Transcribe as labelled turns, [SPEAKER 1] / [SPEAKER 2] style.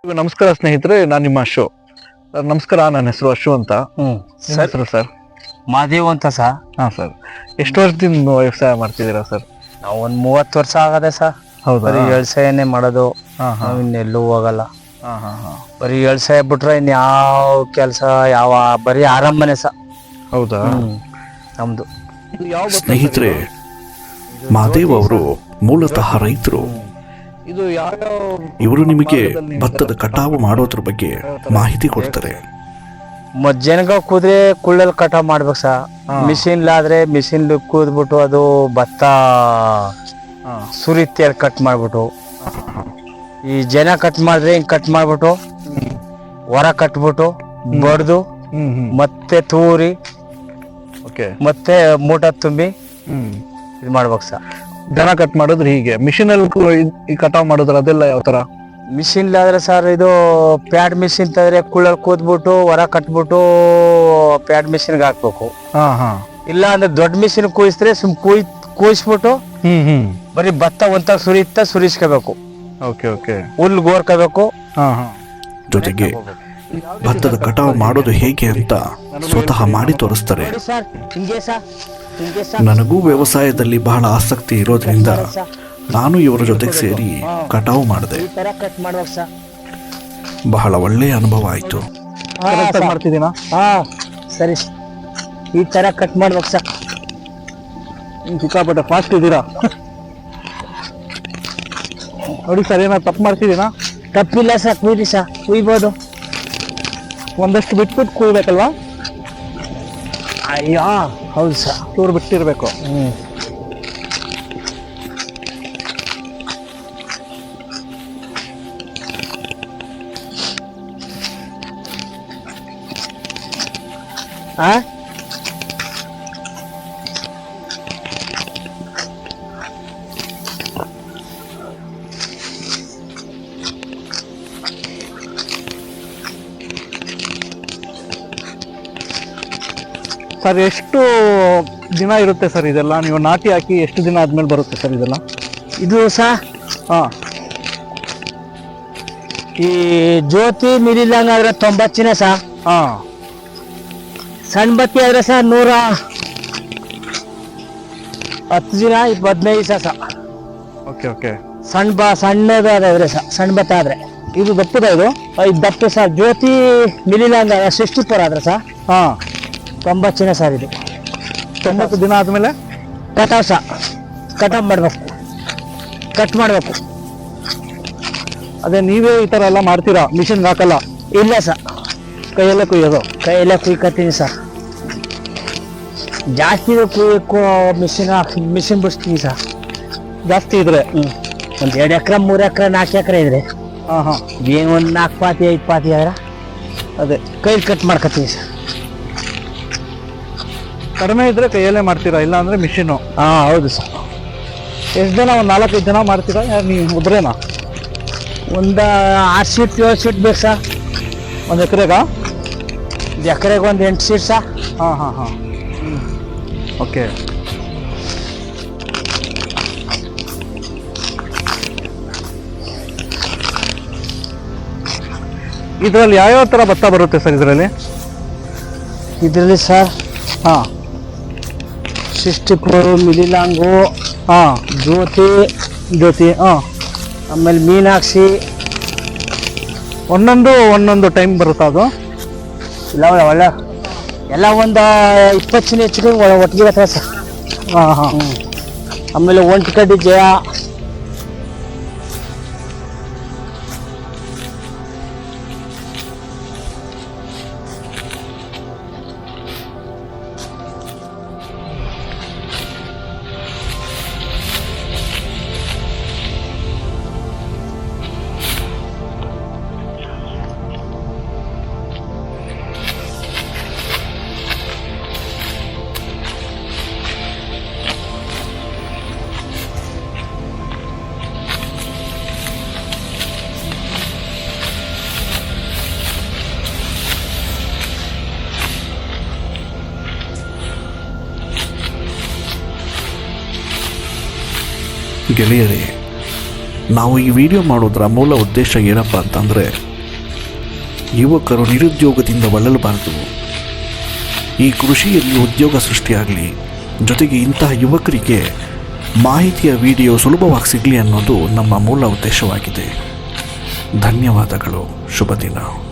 [SPEAKER 1] ನಮಸ್ಕಾರ ಸ್ನೇಹಿತರೆ, ನಾನು ನಿಮ್ಮ ಅಶು. ನಮಸ್ಕಾರ, ನನ್ನ ಹೆಸರು ಅಶು ಅಂತ. ನಿಮ್ಮ ಹೆಸರು ಸರ್?
[SPEAKER 2] ಮಾದೇವ್ ಅಂತ ಸರ್.
[SPEAKER 1] ಹಾಂ ಸರ್. ಎಷ್ಟು ವರ್ಷದಿಂದ ವ್ಯವಸಾಯ ಮಾಡ್ತಿದ್ದೀರಾ ಸರ್?
[SPEAKER 2] ನಾವು ಒಂದು 30 ವರ್ಷ ಆಗದೆ ಸರ್.
[SPEAKER 1] ಹೌದಾ?
[SPEAKER 2] ಬರೀ ವ್ಯವಸಾಯನೇ ಮಾಡೋದು. ನಾವು ಇನ್ನೆಲ್ಲೂ ಹೋಗಲ್ಲ. ಬರೀ ವ್ಯವಸಾಯ ಬಿಟ್ರೆ ಇನ್ಯಾವ ಕೆಲಸ ಬರೀ ಆರಂಭನೆ ಸರ್.
[SPEAKER 1] ಹೌದಾ?
[SPEAKER 2] ನಮ್ದು
[SPEAKER 3] ಸ್ನೇಹಿತರೆ, ಮಾದೇವ್ ಅವರು ಮೂಲತಃ ರೈತರು.
[SPEAKER 1] ಇದು ಯಾವ್ಯಾವ
[SPEAKER 3] ಇವರು ನಿಮಗೆ ಭತ್ತದ ಕಟಾವು ಮಾಡೋದ್ರ ಬಗ್ಗೆ ಮಾಹಿತಿ ಕೊಡ್ತಾರೆ.
[SPEAKER 2] ಮಜ್ಜನಗ ಕೂದ್ರೆ ಕುಳ್ಳಲ್ಲಿ ಕಟಾವ್ ಮಾಡ್ಬೇಕು ಸರ್. ಮಿಷಿನ್ಲಾದ್ರೆ ಮಿಷಿನ್ ಕೂದ್ಬಿಟ್ಟು ಅದು ಭತ್ತ ಸುರಿತಿಯಲ್ಲಿ ಕಟ್ ಮಾಡ್ಬಿಟ್ಟು, ಈ ಜನ ಕಟ್ ಮಾಡಿದ್ರೆ ಹಿಂಗ್ ಕಟ್ ಮಾಡ್ಬಿಟ್ಟು ಹೊರ ಕಟ್ಬಿಟ್ಟು ಬಡ್ದು ಮತ್ತೆ ತೂರಿ ಮತ್ತೆ ಮೂಟ ತುಂಬಿ ಇದು ಮಾಡ್ಬೇಕು ಸರ್.
[SPEAKER 1] ದನ ಕಟ್ ಮಾಡಿದ್ರೆ ಹೀಗೆ ಮಿಷಿನ್ ಅಲ್ಲಿ ಕಟಾವ್ ಮಾಡಿದ್ರೆ ಅದೆಲ್ಲ ಯಾವ ತರ?
[SPEAKER 2] ಮಿಷಿನ್ಲಾದ್ರೆ ಸರ್ ಇದು ಪ್ಯಾಡ್ ಮಿಷಿನ್ ತಂದ್ರೆ ಕುಳ್ಳಲ್ಲಿ ಕೂದ್ಬಿಟ್ಟು ಹೊರ ಕಟ್ಬಿಟ್ಟು ಪ್ಯಾಡ್ ಮಿಷಿನ್ಗೆ ಹಾಕ್ಬೇಕು. ಇಲ್ಲ ಅಂದ್ರೆ ದೊಡ್ಡ ಮಿಷಿನ್ ಕೂಯಿಸಿದ್ರೆ ಕೂಯಿಸ್ಬಿಟ್ಟು ಬರೀ ಭತ್ತ ಒಂತ ಸುರಿಸ್ಕೋಬೇಕು. ಹುಲ್ಲು ಗೋರ್ಕೋಬೇಕು.
[SPEAKER 3] ಜೊತೆಗೆ ಭತ್ತದ ಕಟಾವು ಮಾಡೋದು ಹೇಗೆ ಅಂತ ಸ್ವತಃ ಮಾಡಿ ತೋರಿಸ್ತಾರೆ. ನನಗೂ ವ್ಯವಸಾಯದಲ್ಲಿ ಬಹಳ ಆಸಕ್ತಿ ಇರೋದ್ರಿಂದ ನಾನು ಇವರ ಜೊತೆಗೆ ಸೇರಿ ಕಟಾವು ಮಾಡಿದೆ. ಬಹಳ ಒಳ್ಳೆಯ ಅನುಭವ ಆಯ್ತು.
[SPEAKER 2] ಸರಿ, ಈ ತರ ಕಟ್ ಮಾಡ್ಬೇಕು ಸರ್.
[SPEAKER 1] ಸಿಕ್ಕಾಪಟ್ಟೆ ಫಾಸ್ಟ್ ಇದ್ದೀರಾ ನೋಡಿ ಸರ್. ಏನಾದ್ರು ತಪ್ಪು ಮಾಡ್ತಿದ್ದೀನಾ?
[SPEAKER 2] ತಪ್ಪಿಲ್ಲ ಸರ್, ಕುಯ್ರಿ ಸರ್, ಕುಯ್ಬೋದು.
[SPEAKER 1] ಒಂದಷ್ಟು ಬಿಟ್ಬಿಟ್ಟು ಕುಯ್ಬೇಕಲ್ವಾ?
[SPEAKER 2] ಅಯ್ಯೋ ಹೌದು ಸರ್,
[SPEAKER 1] ಚೂರು ಬಿಟ್ಟಿರ್ಬೇಕು. ಸರ್, ಎಷ್ಟು ದಿನ ಇರುತ್ತೆ ಸರ್ ಇದೆಲ್ಲ? ನೀವು ನಾಟಿ ಹಾಕಿ ಎಷ್ಟು ದಿನ ಆದ್ಮೇಲೆ ಬರುತ್ತೆ ಸರ್ ಇದೆಲ್ಲ?
[SPEAKER 2] ಇದು ಸಹ ಈ ಜ್ಯೋತಿ ಮಿಲಿಲಂಗ ಆದ್ರೆ 90 ದಿನ ಸಹ. ಸಣ್ಣ ಬತ್ತಿ ಆದ್ರೆ ಸಹ 110 ದಿನ 15 ದಿವಸ ಸಹ. ಸಣ್ಣದಾದ್ರೆ ಸಹ, ಸಣ್ಣ ಭತ್ತ ಆದ್ರೆ.
[SPEAKER 1] ಇದು ದಪ್ಪದ? ಇದು
[SPEAKER 2] ದಪ್ಪ ಸಹ. ಜ್ಯೋತಿ ಮಿಲಿಲಂಗ 64 ಆದ್ರೆ ಸಹ 90 ದಿನ ಸರ್. ಇದು
[SPEAKER 1] 90 ದಿನ ಆದ್ಮೇಲೆ
[SPEAKER 2] ಕಟಾವ್ ಸಹ. ಕಟಾವ್ ಮಾಡ್ಬೇಕು, ಕಟ್ ಮಾಡ್ಬೇಕು.
[SPEAKER 1] ಅದೇ ನೀವೇ ಈ ತರ ಎಲ್ಲ ಮಾಡ್ತೀರಾ? ಮಿಷಿನ್ಗೆ ಹಾಕಲ್ಲ?
[SPEAKER 2] ಇಲ್ಲ ಸರ್,
[SPEAKER 1] ಕೈಯಲ್ಲೇ ಕುಯ್ಯೋದು?
[SPEAKER 2] ಕೈಯಲ್ಲೇ ಕುಯ್ಕತ್ತೀನಿ ಸರ್. ಜಾಸ್ತಿ ಮಿಷಿನ್ ಬಿಡಿಸ್ತೀನಿ ಸರ್.
[SPEAKER 1] ಜಾಸ್ತಿ ಇದ್ರೆ
[SPEAKER 2] ಒಂದು 2 ಎಕರೆ 3 ಎಕರೆ 4 ಎಕರೆ ಇದ್ರೆ ಏನು ಒಂದು 4 ಪಾತಿ 5 ಪಾತಿ ಆದ್ರೆ
[SPEAKER 1] ಅದೇ
[SPEAKER 2] ಕೈಲಿ ಕಟ್ ಮಾಡ್ಕೊತೀನಿ ಸರ್.
[SPEAKER 1] ಕಡಿಮೆ ಇದ್ರೆ ಕೈಯಲ್ಲೇ ಮಾಡ್ತೀರಾ? ಇಲ್ಲ ಅಂದ್ರೆ ಮಿಷಿನು?
[SPEAKER 2] ಹೌದು ಸರ್.
[SPEAKER 1] ಎಷ್ಟು ಜನ? ಒಂದು 4-5 ಜನ ಮಾಡ್ತೀರಾ? ನೀವು ಒಬ್ಬರೇನಾ?
[SPEAKER 2] ಒಂದು 6 ಸೀಟ್ 7 ಸೀಟ್ ಬೇಕು ಸರ್.
[SPEAKER 1] ಒಂದು ಎಕರೆಗ?
[SPEAKER 2] ಎಕರೆಗೆ ಒಂದು 8 ಸೀಟ್ ಸರ್.
[SPEAKER 1] ಓಕೆ. ಇದರಲ್ಲಿ ಯಾವ್ಯಾವ ಥರ ಭತ್ತ ಬರುತ್ತೆ ಸರ್ ಇದರಲ್ಲಿ?
[SPEAKER 2] ಇದರಲ್ಲಿ ಸರ್ 64 ಮಿಲಿಲಾಂಗು, ಜ್ಯೋತಿ, ಆಮೇಲೆ ಮೀನಾಕ್ಷಿ.
[SPEAKER 1] ಒಂದೊಂದು ಟೈಮ್ ಬರುತ್ತಾ ಅದು?
[SPEAKER 2] ಇಲ್ಲ ಒಳ್ಳೆ ಎಲ್ಲ ಒಂದು 20 ದಿನ ಹೆಚ್ಚಿಗೆ ಒಟ್ಟಿಗೆ ಬರ್ತದೆ ಸರ್. ಆಮೇಲೆ ಒಂಟಿಕಡ್ಡಿ ಜಯ.
[SPEAKER 3] ಗೆಳೆಯರೇ, ನಾವು ಈ ವಿಡಿಯೋ ಮಾಡೋದ್ರ ಮೂಲ ಉದ್ದೇಶ ಏನಪ್ಪ ಅಂತಂದರೆ, ಯುವಕರು ನಿರುದ್ಯೋಗದಿಂದ ಬಳಲಬಾರದು. ಈ ಕೃಷಿಯಲ್ಲಿ ಉದ್ಯೋಗ ಸೃಷ್ಟಿಯಾಗಲಿ, ಜೊತೆಗೆ ಇಂತಹ ಯುವಕರಿಗೆ ಮಾಹಿತಿಯ ವಿಡಿಯೋ ಸುಲಭವಾಗಿ ಸಿಗಲಿ ಅನ್ನೋದು ನಮ್ಮ ಮೂಲ ಉದ್ದೇಶವಾಗಿದೆ. ಧನ್ಯವಾದಗಳು. ಶುಭ ದಿನ.